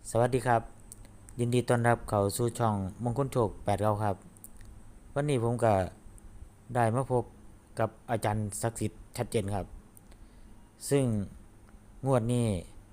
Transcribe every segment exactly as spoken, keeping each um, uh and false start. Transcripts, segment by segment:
สวัสดีครับยินดีต้อนรับเข้าสู่ช่องมงคลโชคแปดเก้าครับวันนี้ผมก็ได้มาพบกับอาจารย์ศักดิ์สิทธิ์ชัดเจนครับซึ่งงวดนี้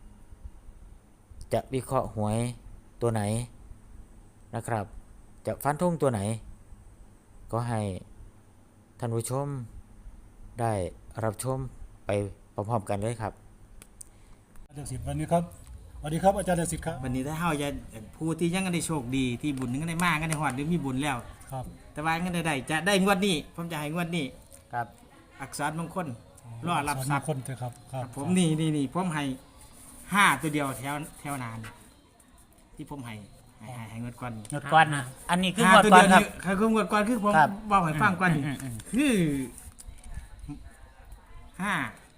จะวิเคราะห์หวยตัวไหนนะครับจะฟันธงตัวไหนก็ให้ท่านผู้ชมได้รับชมไปพร้อมๆกันเลยครับอาจารย์สิทธิ์วันนี้ครับสวัสดีครับอาจารย์สิทธิ์ครับวันนี้ถ้าเฮาจะผู้ที่ยังได้โชคดีที่บุญนึงก็ได้มากก็ได้ฮอดหรือมีบุญแล้วครับแต่ว่าก็ได้ได้จะได้งวดนี้ผมจะให้งวดนี้ครับอักษรมงคลรอรับทรัพย์คนเถอะครับครับผมนี่นี่นี่ผมให้ห้าตัวเดียวแถวแถวนานที่ผมให้ให้ให้ให้งวดก่อนงวดก่อนนะอันนี้คืองห้าวดตัวก่อเดีนยวครับนี่คืองวดก่อนคือผมครับบอกให้ฟังก่อนนี่อืมอืมอืมคือห้า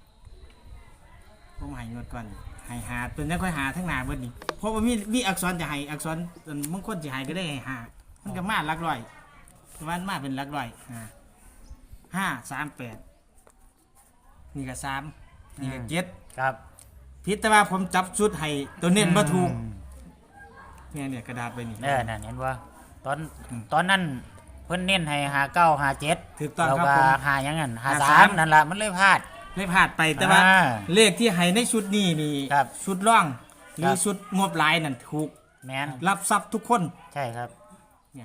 ผมให้งวดก่อนให้หาตัวนี้ค่อยหาทั้งหน้าเบิดนี่เพราะว่ามีมีอักษรจะให้อักษรมงคลจะให้ก็ได้ให้หามันก็มาหลักร้อยแต่ว่ามาเป็นหลักร้อยห้าห้าสามแปดนี่ก็สามนี่ก็เจ็ดครับพิษแต่ว่าผมจับชุดให้ตัวเน้นมาถูกเนี่ยเนี่ยกระดาษไปนี่เออนั่นเห็นว่าตอนอืมตอนนั้นเพิ่นเน้นให้หาเก้าหาเจ็ดถูกต้องเราครับก็ผมหาอย่างนั้นหาหาสาสามมนั่นแหละมันเลยพลาดไม่พลาดไปแต่ว่าอ่าเลขที่ให้ในชุดนี้นี่ครับชุดร่อง หรืครัอบ ชุดงบหลายนั่นถูกแมนรับทรัพย์ทุกคนใช่ครับเนี่ย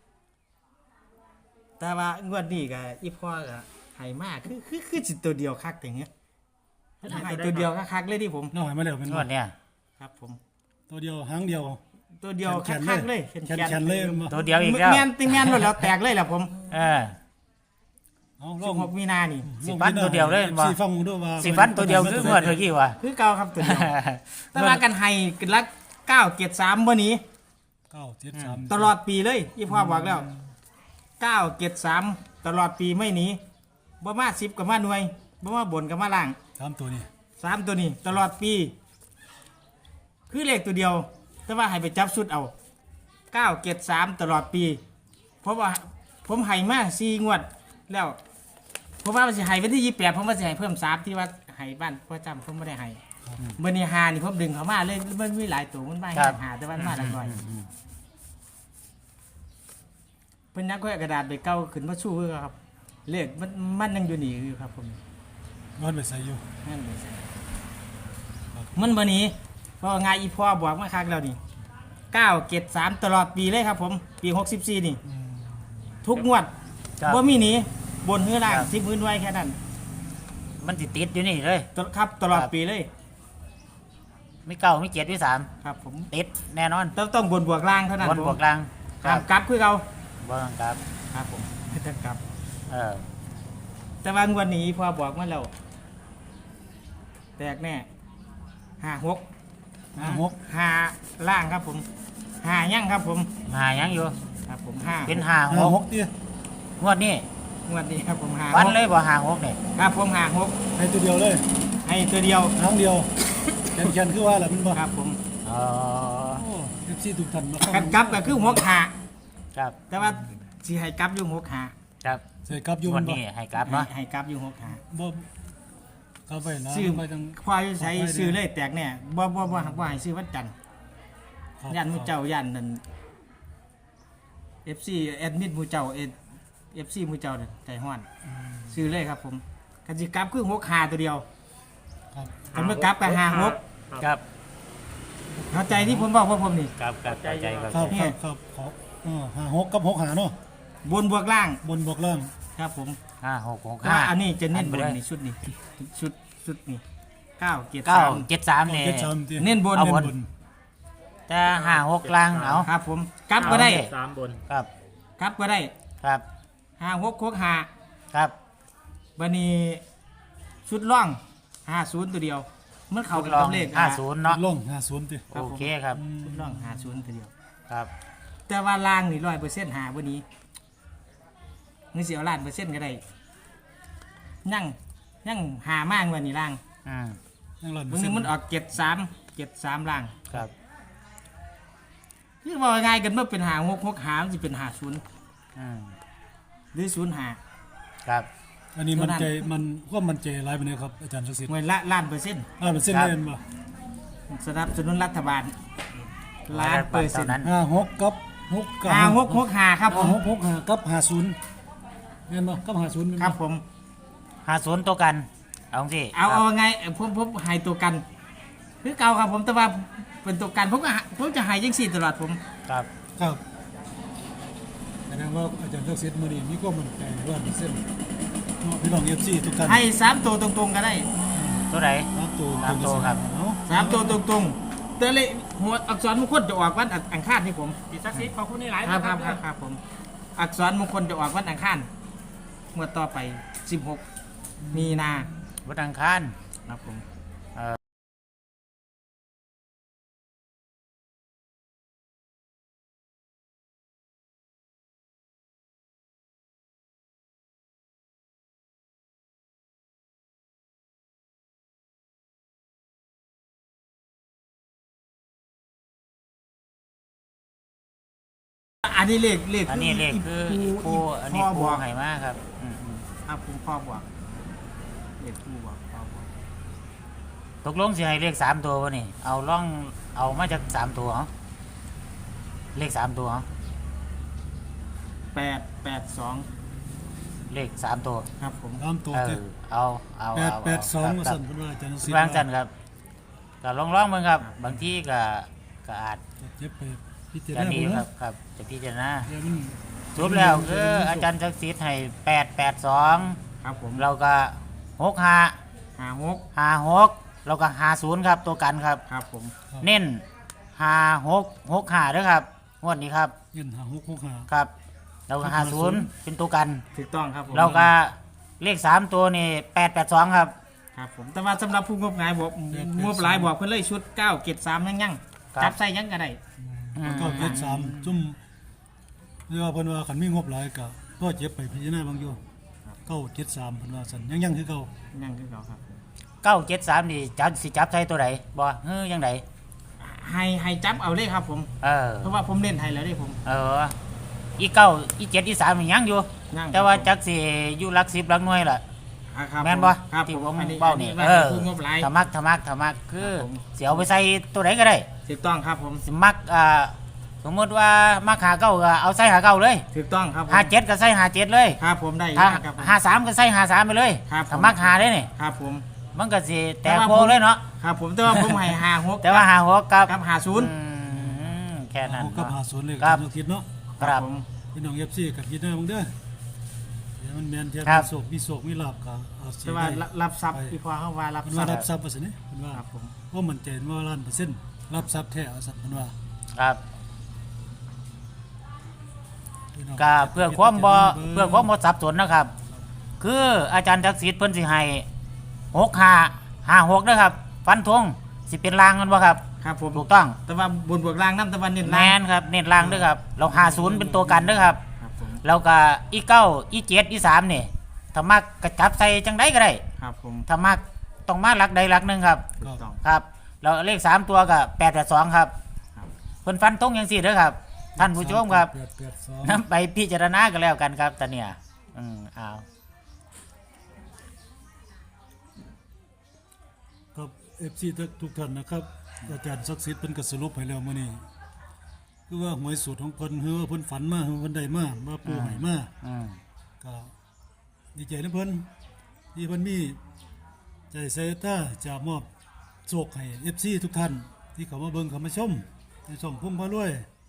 แต่ว่างวดนี้ก็อีพ่อก็ให้มากคือคือคือจิตตัวเดียวคักอย่างเงี้ยให้ตัวเดียวคักๆเลยที่ผมน้องให้มาแล้วเป็นงวดเนี่ยครับผมตัวเดียวหางเดียวตัวเดียวแขนๆคักๆเลเลย ยแขนแขนๆเลยมาตัวเดียวอีกแล้วแมนติแมนหมดแล้วแตกเลยแหละผมเออเอาลสิอบ งหกมีนานี่สิฟันตัวเดียวเลยบ่สิฟังด้วยว่าสิฟันตัวเดียวคืองวดเมื่อกี้วะคือเก่าครับตัวเดียวแต่ว่ากันให้กันละเก้าเกียรติสามวันนี้เก้าเจ็ดสามตลอดปีเลยยี่พ่อบอกแล้วเก้าเกียรติสามตลอดปีไม่หนีบ่มาสิบกับมาหน่วยบ่มาบนกับมาล่างสามตัวนี้สามตัวนี้ตลอดปี คือเลขตัวเดียว แต่ว่าให้ไปจับชุดเอาเก้าเกียรติสามตลอดปี เพราะว่าผมให้มาสี่งวดแล้วผมว่ามันจะให้วันที่ยี่แปดผมว่าจะให้เพิ่มสามที่ว่าให้บ้านพ่อจำผมไม่ได้ให้เบอร์นี้หานี่ผมดึงเขามาเลยมันมีหลายตัวมันไม่ให้หาแต่ว่ามันมาละหน่อยเพิ่นนักก็กระดาษไปเก้าขึ้นมาชู้คือครับเลขมันมันยังอยู่นี่อยู่ครับผมนอนไปใส่อยู่นั่นเลยมันเบอร์นี้เพราะว่าไงอีพ่อบอกมาคักแล้วนี่เก้าเกตสามตลอดปีเลยครับผมปีหกสิบสี่นี่ ทุกงวดครับว่ามีหนีบนหื้อล่างครับสิบพื้นไว้แค่นั้นมันติดติดอยู่นี่เลยตลครับตลอดครับปีเลยไม่เก้าไม่เจ็ดไม่สามครับผมติดแน่นอนต้องต้องบนบวกล่างเท่านั้นบนผมบวกกลางคห้ารัมบกลับคือเราบนครับครับผมไม่ต้องกลับเออแต่ว่างวดนี้พอบอกมาแล้วแตกแน่ห้าหกห้าหกห้าล่างครับผมห้ายั่งครับผมหายังอยู่ครับผมห้าเป็นหาห้าหหกกเนี่ยงวดนี้งวดนี้ครับผมห้าวันหกเลยบ่หาหกเนี่ยครับผมห้าหกให้ตัวเดียวเลยให้ตัวเดียวหางเดียวแขนแขนคือว่าแหละมันบ่ครับผมอ๋อโอ้เอฟซีทุกท่านมากันกลับก็คือหกห้าครับแต่ว่าสิให้กลับอยู่หกห้าครับใส่กลับอยู่งวมัดนบ่นี้ให้กลับให้เนาะให้กลับอยู่หกห้าบ่กลับไปนะซื้อไปจังควายใช้ซื้อเลยแตกแน่บ่บ่บ่บ่ให้ซื้อวันจันทร์ครับย่านหมูเจ้าย่านนั่น เอฟ ซี แอดมิดหมูเจ้าเอ เอฟ ซี หมูเจ้านั่นใจฮ้อนซื้อเลยครับผมกันสิกลับคือหกห้าตัวเดียวครับกันเมื่อกลับก็ห้าหกครับเข้าใจที่ผมบอกพวกผมนี่ครับครับเข้าใจเข้าคใจรับครับครับขออ่าห้าหกกับหกหาเนาะบนบวกล่างบนบวกล่างครับผมห้าหกหกแต่ห้าว่าอันนี้จะเน้นบนอัไปลยนี่ชุดนี้ชุดชุดนี้เก้าเกียรติเก้าสามเจ็ดสามเนี่ยเจ็ดสามที่เน้นบนเอาเน้นบนบนแต่ห้าหกกลางเอาครับผมกลับก็ได้สามบนครับกลับก็ได้ครับห้าหกหกห้าครับบันนี้ชุดล่องห้าศูนย์ตัวเดียวมันเข้าทกัดบลองเลขห้าศูนย์เนาะลงห้าศูนย์ที่ครับโอผมเคครับชุดล่องห้าศูนย์ตัวเดียวครับแต่ว่าล่างนี่ร้อยเปอร์เซ็นต์หาวันนี้เงินเสียล้านเปอร์เซ็นต์ก็ได้ยั่งยั่งหามากวันนี้ล่างอืมยังหลันบางทีมันออกเจ็ดสามเจ็ดสามล่างครับนี่บอกง่ายๆกันเมื่อเป็นหาหกหกหามันจะเป็นหาศูนย์อืมหรือศูนย์หาครับอันนี้มันเท่านั้นใจมันความมันใจร้ายไปเลยครับอาจารย์ศักดิ์สิทธิ์เงินละล้านเปอร์เซ็นต์อ่าเป็นเส้นครับเล่นบ่สนับสนุนรัฐบาลล้านเปอร์เซ็นต์ท่านั้นห้าหกกับหกกับห้าหกหกห้าครับผมห้าหกหกห้ากับห้าศูนย์แม่นบ่กับห้าศูนย์แม่นครับผมหาศูนย์ตัวกันเอาสิเอาเอาไงผมผมใหายตัวกันคือเก่าครับผมแต่ว่าเป็นตัวกันผมก็หาผมจะใหายยังสี่ตลอดผมครับครับแสดงว่าอาจารย์ทักษิณมื้อนี้มีความมั่นใจร้อยเปอร์เซ็นต์เนาะพี่น้อง เอฟ ซี ทุกท่านให้สามตัวตรงๆก็ได้ตัวไหนสามตัวสามตัวครับเนาะสามตัวตรงๆแต่เลยหัวอักษรมงคลจะออกวันอังคารนี่ผมพี่ศักดิ์สิทธิ์ขอบคุณนี่หลายครับนะครับครับครับผมอักษรมงคลจะออกวันอังคารเมื่อต่อไปสิบหกมีนาวันอังคารครับผม อันนี้เลขเลขอันนี้เลขคือครูครูอันนี้พ่อครูบอกไห่มาครับอืมครับผมพ่อบอกเลขครูบอกพ่อบอกๆตกลงสิให้เลขสามตัววะนี่เอาล่องเอามาจากสามตัวเหรอเลขสามตัวเหรอแปดแปดสองเลขสามตัวครับผมตามตัวเอเจ็อเอาเอาแปดเอาแปดสองคว่ารัสั่บนเพิ่นว่าอาจารย์ทักษิณวางจันครับก็ลองร้องๆมึงครับ บางที่ก็ก็อาจจะเจ็บไปพิจารจะณาดีเบิ่งครัเนาะบครับจะพิจารณาเดี๋ยวมันสรุปแล้วคืออาจารย์ศักดิ์สิทธิ์ให้แปดแปดสองครับผมเราก็หกห้าห้าหกห้าหกเราก็ห้าศูนย์ครับตัวกันครับครับผมเน้นห้าหกหกห้าด้วยครับงวดนี้ครับเงินห้าหกหกห้าครับ เราก็ห้าศูนย์เป็นตัวกันถูกต้องครับผมเราก็เลขสามตัวนี่แปดแปดสองครับครับผมแต่ว่าสำหรับผู้งบงายบอกงบหลายบอกเพิ่นเลยชุดเก้าเจ็ดสามยังยังครับจับใส่ยังก็ได้อืมก็เจ็ดสามจุ่มเรียกว่าเพิ่นว่าคันมีงบหลายก็ตัวเจ็บไปพิจารณาเบางอยู่เก้าเจ็ดสามเพิ่นว่าซั่นยังยังคือเก่ายังคือเก่าครับเก้าเจ็ดสามนี่จับสิจับใส่ตัวไหนบ่เฮ้ยยังไงให้ให้จับเอาเลยครับผมเออเพราะว่าผมเล่นให้แล้วนี่ผมเอออีเก้าอีเจ็ดอีสามนี่ยังอยู่ยังแต่ว่าจักสิอยู่หลักสิบหลักหน่วยล่ะอ่าครับแม่นบ่ครับที่ผผม มอันนี้เบ้าอันนี่นี้ว่าเออผู้งบหลายธรรมักธรรมักธรรมักคือครับผมเสียเอาไปใส่ตัวไหนก็ได้ถูกต้องครับผมสิมักอ่าสมมติว่ามักหาเก้าก็เอาใส่หาเก้าเลยถูกต้องครับผมหาเจ็ดก็ใส่หาเจ็ดเลยครับผมได้ถ้าครับผมหาสามก็ใส่หาสามไปเลยครับผมถ้ามักหาได้นี่ครับผมมันก็สิแตแต่กว่าโพผมเลยเนาะครับผมแต่ว่าผมให้ห้าหกแต่ว่าหาหัวกับกับห้าศูนย์อืมแค่นั้นหกกับเนาะห้าศูนย์เลยครับอาจารย์คิดเนาะครับผมพี่น้อง เอฟ ซี กับพิจารณาเบิ่งเด้อเดี๋ยวมันแม่นเทียบครับมีโศกมีโศกมีลาบก็เอาสิแต่ว่าได้รับทรัพย์ไปที่พอเขาว่ารับเพิ่นทรัว่าพย์รับทรัพย์ว่าซั่นนี่เพิ่นว่าครับผมว่ามันใจว่าล้านเปอร์เซ็นต์รับทรัพย์แท้ว่าซั่นเพิ่นว่าครับพี่น้งก็เพื่อความบ่เพื่อความบ่สับสนนะครับ คืออาจารย์ทักษิณเพิ่นสิให้หกห้าห้าหกนะครับ ฟันธงสิเป็นรางกันบ่ครับครับผมถูกต้องแต่ว่าบนบวกล่างน้ำตะวันเน้นแมล่างนครับเน้นรางด้วยครับ เราห้าศูนย์เป็นตัวกันด้วยครับครับผมแล้วก็อีเก้าอีเจ็ดอีสามนี่ถ้ามักกระจับใส่จังไดก็ได้ครับผมถ้ามักต้องมาหลักใดหลักหนึ่งครับถูกต้องครับแล้วเลขสามตัวก็แปดแปดสองครับครับเพิ่นฟันธงอย่างสี่เด้อครับ ท่านผู้ชมครับแปดแปดสองนำไปพิจารณากันแล้วกันครับตอนเนี้ยอืมเอาครับ เอฟ ซี ทุกท่านนะครับอาจารย์ศักดิ์สิทธิ์เพิ่นก็สรุปให้แล้วมื้อนี้คือว่าหวยสูตรของเพิ่นคือว่าเพิ่นฝันมาคือเพิ่นได้มามาปูให้มาอืมก็ดีใจนะเพิ่นที่เพิ่นมีใจใส่ตาจะมอบโชคให้ เอฟ ซี ทุกท่าน ที่เขามาเบิ่งเขามาชมในช่องพุ่มพารวย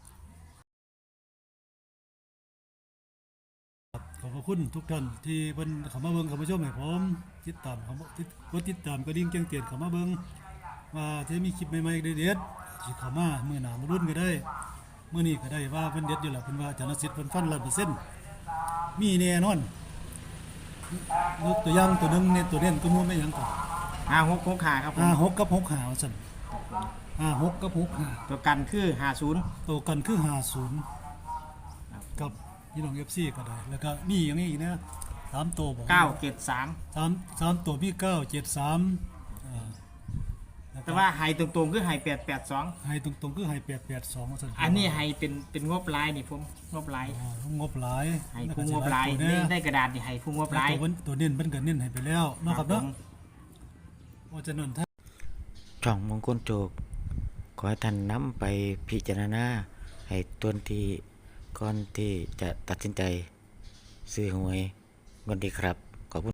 ครับขอบพระคุณทุกท่านที่เพิ่นเขามาเบิ่งเขามาชมให้ผมติดตามเขามาติดกดติดตามกระดิ่งแจ้งเตือนเขามาเบิ่งว่าจะมีคลิปใหม่ๆเด็ดๆที่เขามามื้อหน้ามารุ่นก็ได้มื้อนี้ก็ได้ว่าเพิ่นเด็ดอยู่แล้วเพิ่นว่าอาจารย์นสิทธิ์เพิ่นฟันร้อยเปอร์เซ็นต์มีแน่นอนยกตัวอย่างตัวหนึงเนี่ยตัวเด่นตัวนู้นไม่หยังก่อนห้าหกหกห้าครับผมห้าหกกับหกห้าว่าซั่นห้าหกกับหกห้าตัวกันคือห้าศูนย์ตัวกันคือห้าศูนย์กับพี่น้อง เอฟ ซี ก็ได้แล้วก็มีอย่างนี้อีกนะสามตัวบอกเก้าเจ็ดสามสามสามตัวมีเก้าเจ็ดสามอ่าล้ก็แต่ว่าไฮตรงๆคือไฮแปดแปดสองให้ตรงๆคือให้แปดแปดสองว่าซั่นอันนี้ไฮเป็นเป็นงบลายนี่ผมงบลายอ๋องบหลายไฮผู้งบลายตัวนี่เนี้ยได้กระดาษนี่ไฮผู้งบลายตัวเพิ่นตัวเน้นเพิ่นก็เน้นให้ไปแล้วเนาะครับผเนาะมว่าจะนั่นถ้าช่องมงคลโจกขขอให้ท่านนำไปพิจารณาให้ตวนที่ก่อนที่จะตัดสินใจซื้อหวยงวดนี้ครับ